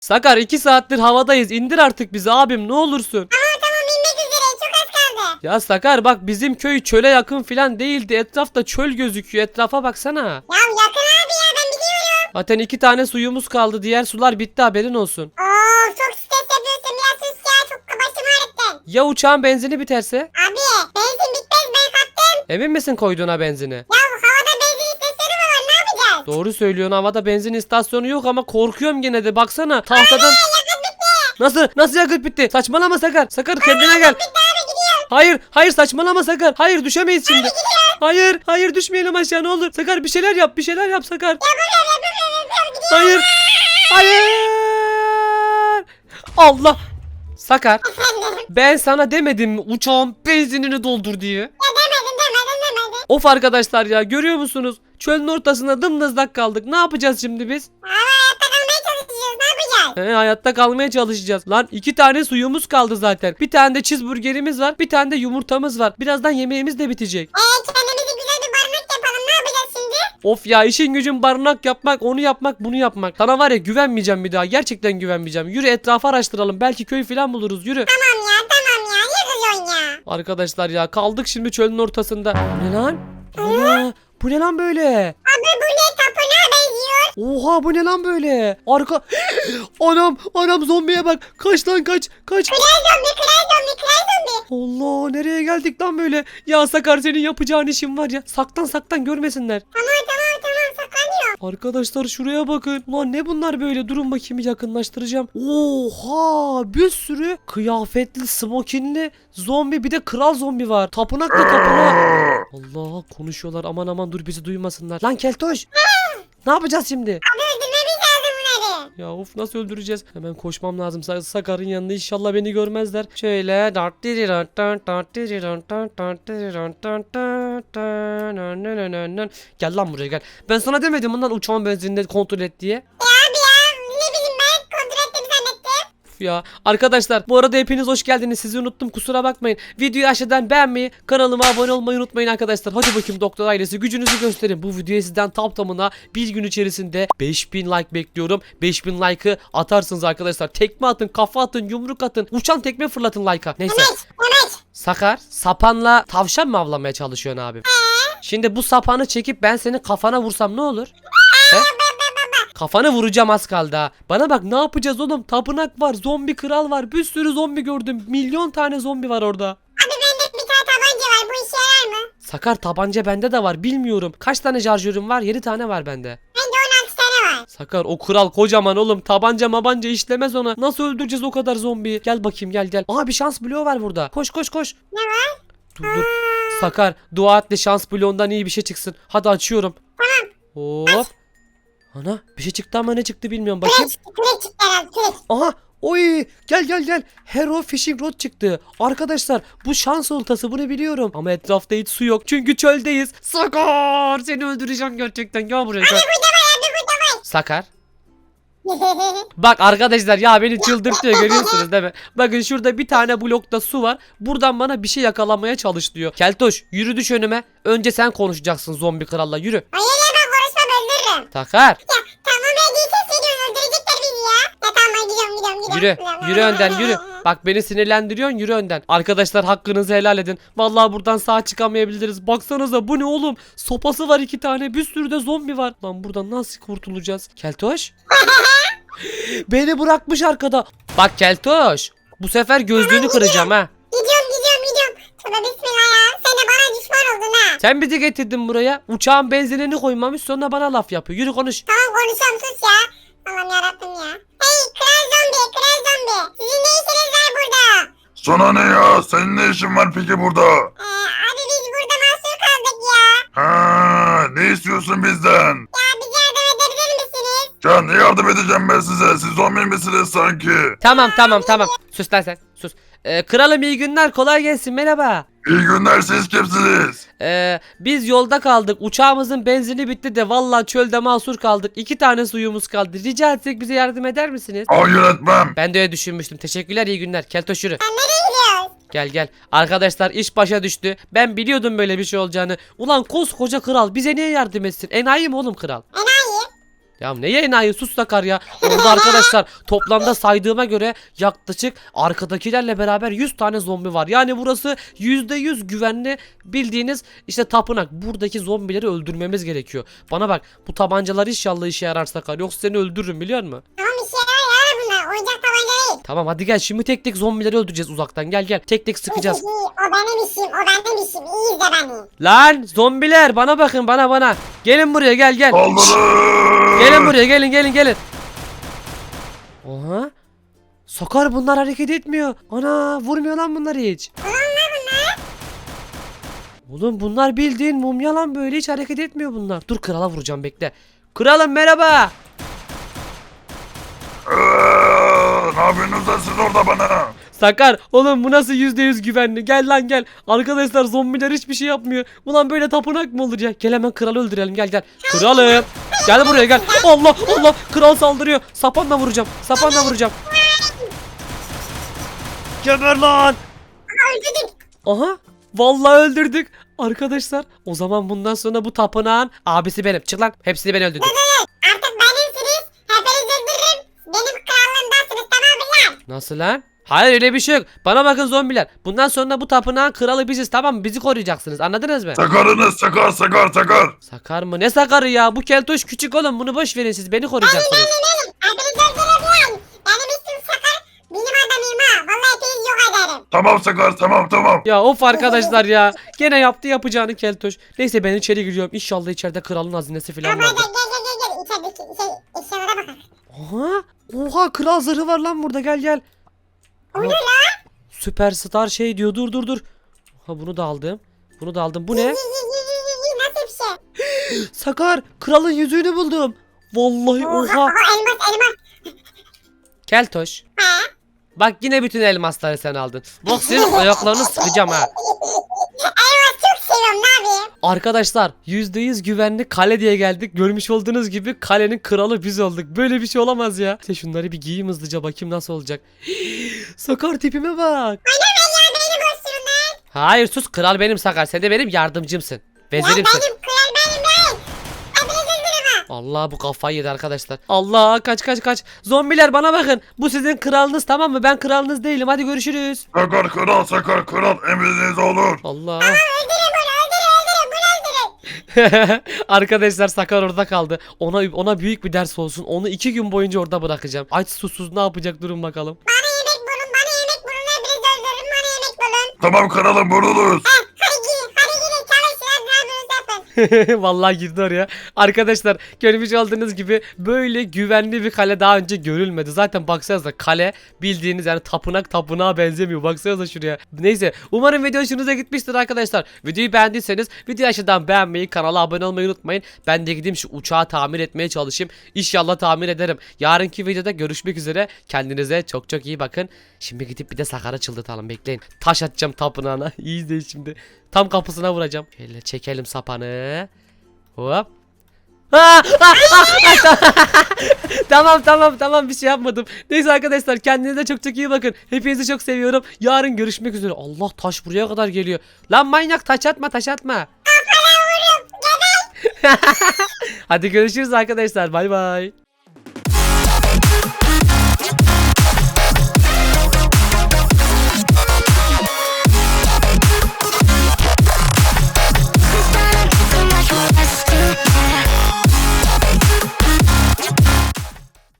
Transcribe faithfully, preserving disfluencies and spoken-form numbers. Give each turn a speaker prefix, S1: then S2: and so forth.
S1: Sakar iki saattir havadayız. İndir artık bizi abim ne olursun.
S2: Tamam tamam inmek üzere çok az kaldı.
S1: Ya Sakar bak bizim köy çöle yakın filan değildi. Etrafta çöl gözüküyor. Etrafa baksana.
S2: Ya yakın abi ya ben biliyorum.
S1: Zaten iki tane suyumuz kaldı. Diğer sular bitti haberin olsun.
S2: Oo çok stres yapıyorsun biraz sus ya çok başım ağrıttın.
S1: Ya uçağın benzini biterse?
S2: Abi benzin bitmez ben kattım.
S1: Emin misin koyduğuna benzini?
S2: Ya havada benzin istasyonu mu var ne yapacağız?
S1: Doğru söylüyorsun havada benzin istasyonu yok ama korkuyorum gene de baksana tahtadan. Nasıl? Nasıl yakıt bitti? Saçmalama Sakar. Sakar kendine gel. Hayır, hayır saçmalama Sakar. Hayır düşemeyiz şimdi. Hayır, hayır düşmeyelim aşağı ne olur. Sakar bir şeyler yap, bir şeyler yap Sakar. Hayır. Hayır. Allah. Sakar. Ben sana demedim mi uçağın benzinini doldur diye.
S2: Ya demedin demedin demedin.
S1: Of arkadaşlar ya görüyor musunuz? Çölün ortasında dımdızlak kaldık. Ne yapacağız şimdi biz?
S2: Ama hayatta kalmaya çalışacağız ne yapacağız?
S1: He, hayatta kalmaya çalışacağız. Lan iki tane suyumuz kaldı zaten. Bir tane de cheeseburgerimiz var. Bir tane de yumurtamız var. Birazdan yemeğimiz de bitecek.
S2: Eee kendimize güzel bir barınak yapalım ne yapacağız şimdi?
S1: Of ya işin gücün barınak yapmak, onu yapmak, bunu yapmak. Sana var ya güvenmeyeceğim bir daha. Gerçekten güvenmeyeceğim. Yürü etrafı araştıralım. Belki köy falan buluruz. Yürü.
S2: Tamam ya tamam ya niye kızıyorsun ya?
S1: Arkadaşlar ya kaldık şimdi çölün ortasında. Bu ne lan? Ana, bu ne lan böyle?
S2: Abi bu ne tapınağa benziyor?
S1: Oha bu ne lan böyle? Arka... Anam anam zombiye bak. Kaç lan kaç kaç.
S2: Kral zombi kral zombi kral zombi.
S1: Allah nereye geldik lan böyle? Ya Sakar senin yapacağın işin var ya. Saktan saktan görmesinler.
S2: Tamam tamam tamam saklanıyor.
S1: Arkadaşlar şuraya bakın. Ulan ne bunlar böyle? Durun bakayım yakınlaştıracağım. Oha bir sürü kıyafetli, smokinli zombi bir de kral zombi var. Tapınakta tapınak. Allah konuşuyorlar aman aman dur bizi duymasınlar. Lan Keltoş. Ne yapacağız şimdi?
S2: Abi öldürmemiz lazım bunları.
S1: Ya of nasıl öldüreceğiz? Hemen koşmam lazım. Sa- Sakar'ın yanında inşallah beni görmezler. Şöyle. Gel lan buraya gel. Ben sana demedim bundan uçağın benzinini kontrol et diye.
S2: Ya abi ya ne bileyim ben kontrol ettim zannettim.
S1: Uf ya. Arkadaşlar bu arada hepiniz hoş geldiniz. Sizi unuttum kusura bakmayın. Videoyu aşağıdan beğenmeyi, kanalıma abone olmayı unutmayın arkadaşlar. Hadi bakayım doktor ailesi gücünüzü gösterin. Bu videoya sizden tam tamına bir gün içerisinde beş bin like bekliyorum. beş bin like'ı atarsınız arkadaşlar. Tekme atın, kafa atın, yumruk atın. Uçan tekme fırlatın like'a. Neyse.
S2: Demek demek.
S1: Sakar sapanla tavşan mı avlamaya çalışıyorsun abi? Şimdi bu sapanı çekip ben senin kafana vursam ne olur? He? Kafanı vuracağım az kaldı ha. Bana bak ne yapacağız oğlum? Tapınak var, zombi kral var. Bir sürü zombi gördüm. Milyon tane zombi var orada.
S2: Abi bende bir tane tabanca var bu işe yarar mı?
S1: Sakar tabanca bende de var bilmiyorum. Kaç tane şarjörüm var? yedi tane var bende.
S2: Bende on altı tane var.
S1: Sakar o kral kocaman oğlum. Tabanca mabanca işlemez ona. Nasıl öldüreceğiz o kadar zombiyi? Gel bakayım gel gel. Aa bir şans bloğu var burada. Koş koş koş.
S2: Ne var?
S1: Dur dur. Sakar dua et de şans bloğundan iyi bir şey çıksın. Hadi açıyorum.
S2: Tamam.
S1: Hop. Ana bir şey çıktı ama ne çıktı bilmiyorum bakayım.
S2: Kürek çıktı kürek çıktı herhalde kürek.
S1: Aha oy gel gel gel. Hero Fishing Rod çıktı. Arkadaşlar bu şans oltası bunu biliyorum. Ama etrafta hiç su yok. Çünkü çöldeyiz. Sakar seni öldüreceğim gerçekten. Gel buraya gel.
S2: Burada var abi burada var.
S1: Sakar. Bak arkadaşlar ya beni çıldırtıyor görüyorsunuz değil mi? Bakın şurada bir tane blokta su var. Buradan bana bir şey yakalamaya çalış diyor. Keltoş yürü düş önüme. Önce sen konuşacaksın zombi kralla yürü.
S2: Hayır ya ben konuşmam öldürürüm.
S1: Sakar.
S2: Ya tamam ya değilse seni öldürecekler bizi ya. Ya tamam ben gidiyorum gidiyorum gidiyorum.
S1: Yürü.
S2: gidiyorum.
S1: Yürü önden yürü. Bak beni sinirlendiriyorsun yürü önden. Arkadaşlar hakkınızı helal edin. Vallahi buradan sağ çıkamayabiliriz. Baksanıza bu ne oğlum? Sopası var iki tane. Bir sürü de zombi var. Lan buradan nasıl kurtulacağız? Keltoş. Beni bırakmış arkada. Bak Keltoş. Bu sefer gözlüğünü kıracağım ha.
S2: Gidiyorum gidiyorum gidiyorum. Tövbe bismillah ya. Sen de bana düşman oldun ha.
S1: Sen bizi getirdin buraya. Uçağın benzinini koymamış sonra bana laf yapıyor. Yürü konuş.
S2: Tamam konuşuyorum sus ya. Allah'ım yarabbim ya. Hey kral zombi kral zombi. Sizin ne işiniz var burada?
S3: Sana ne ya? Senin ne işin var peki burada?
S2: Ee, abi biz burada mahsur kaldık ya.
S3: Ha, ne istiyorsun bizden?
S2: Ya bize yardım edebilir misiniz?
S3: Ya ne yardım edeceğim ben size? Siz zombi misiniz sanki?
S1: Tamam tamam tamam. Sus lan sen. Sus. Ee, kralım iyi günler. Kolay gelsin. Merhaba.
S3: İyi günler, siz kimsiniz?
S1: Ee, biz yolda kaldık. Uçağımızın benzini bitti de vallahi çölde mahsur kaldık. İki tane suyumuz kaldı. Rica etsek bize yardım eder misiniz?
S3: Hayır etmem.
S1: Ben de öyle düşünmüştüm. Teşekkürler iyi günler. Keltoş yürü.
S2: Sen nereye gidiyorsun?
S1: Gel gel. Arkadaşlar iş başa düştü. Ben biliyordum böyle bir şey olacağını. Ulan koskoca kral bize niye yardım etsin? Enayi mi oğlum kral?
S2: Enayi.
S1: Ya ne enayi, sus Sakar ya. Orada arkadaşlar toplamda saydığıma göre yaklaşık arkadakilerle beraber yüz tane zombi var. Yani burası yüzde yüz güvenli bildiğiniz işte tapınak. Buradaki zombileri öldürmemiz gerekiyor. Bana bak, bu tabancalar inşallah işe yarar Sakar. Yoksa seni öldürürüm biliyor musun?
S2: Tamam işe yarar yarar bunlar. Oyuncak tabanca değil.
S1: Tamam hadi gel, şimdi tek tek zombileri öldüreceğiz uzaktan. Gel gel, tek tek sıkacağız.
S2: O benim işim. O benim işim. İyi izle beni.
S1: Lan zombiler, bana bakın, bana bana. Gelin buraya, gel gel.
S3: Saldırın.
S1: Gelin buraya, gelin gelin gelin. Oha. Sakar, bunlar hareket etmiyor. Ana, vurmuyor lan bunlar hiç. Oğlum bunlar bildiğin mumya lan, böyle hiç hareket etmiyor bunlar. Dur, krala vuracağım, bekle. Kralım merhaba.
S3: Ee, ne yapıyorsunuz lan siz orada bana?
S1: Sakar, oğlum bu nasıl yüzde yüz güvenli? Gel lan gel. Arkadaşlar zombiler hiçbir şey yapmıyor. Ulan böyle tapınak mı olur ya? Gel hemen kralı öldürelim, gel gel. Kralım. Gel buraya gel. Allah Allah, kral saldırıyor. Sapanla vuracağım. Sapanla vuracağım. Geber lan.
S2: Öldürdük.
S1: Aha, vallahi öldürdük. Arkadaşlar o zaman bundan sonra bu tapınağın abisi benim. Çık lan, hepsini ben öldürdüm.
S2: Artık benimsiniz. Hepinizi öldürürüm. Benim krallığımdasınız, tamam mı lan?
S1: Nasıl lan? Hayır, öyle bir şey yok. Bana bakın zombiler. Bundan sonra bu tapınağın kralı biziz, tamam mı? Bizi koruyacaksınız, anladınız mı?
S3: Sakarınız sakar sakar sakar.
S1: Sakar mı? Ne sakarı ya? Bu keltoş küçük oğlum. Bunu boş verin, siz beni koruyacaksınız.
S2: Benim benim. Hepinizi öldürürüm. Benim ismim Sakar. Benim adamıyım ha. Vallahi hepinizi yok ederim.
S3: Tamam sakar tamam tamam.
S1: Ya of arkadaşlar ya. Gene yaptı yapacağını keltoş. Neyse ben içeri giriyorum. İnşallah içeride kralın hazinesi falan
S2: Ama gel
S1: vardır.
S2: gel gel gel gel. İçerideki şey, eşyalara bakın.
S1: Oha. Oha, kral zırhı var lan burada, gel gel.
S2: O ne lan?
S1: Süperstar şey diyor, dur dur dur. Ha, bunu da aldım. Bunu da aldım. Bu ne?
S2: Yi, yi, yi, yi, yi, yi. Nasıl bir şey?
S1: Sakar, kralın yüzüğünü buldum. Vallahi
S2: Oha.
S1: oha.
S2: Oha elmas elmas.
S1: Keltoş.
S2: Ha?
S1: Bak yine bütün elmasları sen aldın. Bak senin ayaklarını sıkacağım ha.
S2: Elmas çok seviyorum, ne yapayım?
S1: Arkadaşlar yüzde yüz güvenli kale diye geldik. Görmüş olduğunuz gibi kalenin kralı biz olduk. Böyle bir şey olamaz ya. İşte şunları bir giyeyim hızlıca, bakayım nasıl olacak. Sakar, tipime bak.
S2: Ana ben ya beni boşturun lan.
S1: Hayır sus, kral benim Sakar. Sen de benim yardımcımsın.
S2: Ya
S1: Vezirimsin.
S2: benim kral benim ben. Hepinizi öldürürüm ha.
S1: Allah, bu kafayı yedi arkadaşlar. Allah, kaç kaç kaç. Zombiler bana bakın. Bu sizin kralınız, tamam mı? Ben kralınız değilim. Hadi görüşürüz.
S3: Sakar kral sakar kral emriniz olur.
S1: Allah.
S2: Öldürün bunu öldürün öldürün bunu öldürün.
S1: Arkadaşlar Sakar orada kaldı. Ona ona büyük bir ders olsun. Onu iki gün boyunca orada bırakacağım. Aç susuz ne yapacak, durun bakalım.
S2: Bana yemek bulun bana yemek bulun. Hepinizi öldürürüm, bana yemek bulun.
S3: Tamam kralım vurulur.
S2: Heh, hadi gidin hadi gidin çalışın, hadi ne yapıyorsunuz yapın.
S1: Vallahi girdi oraya. Arkadaşlar görmüş olduğunuz gibi böyle güvenli bir kale daha önce görülmedi. Zaten baksanıza, kale bildiğiniz yani tapınak tapınağa benzemiyor. Baksanıza şuraya. Neyse, umarım video hoşunuza gitmiştir arkadaşlar. Videoyu beğendiyseniz videoyu aşağıdan beğenmeyi, kanala abone olmayı unutmayın. Ben de gideyim şu uçağı tamir etmeye çalışayım. İnşallah tamir ederim. Yarınki videoda görüşmek üzere. Kendinize çok çok iyi bakın. Şimdi gidip bir de Sakar'a çıldırtalım, bekleyin. Taş atacağım tapınağına. İyi izleyin şimdi. Tam kapısına vuracağım. Şöyle çekelim sapanı. Hop. Aa, aa, aa, tamam tamam tamam, bir şey yapmadım. Neyse arkadaşlar, kendinize çok çok iyi bakın. Hepinizi çok seviyorum. Yarın görüşmek üzere. Allah, taş buraya kadar geliyor. Lan manyak, taş atma taş atma. Hadi görüşürüz arkadaşlar. Bay bay.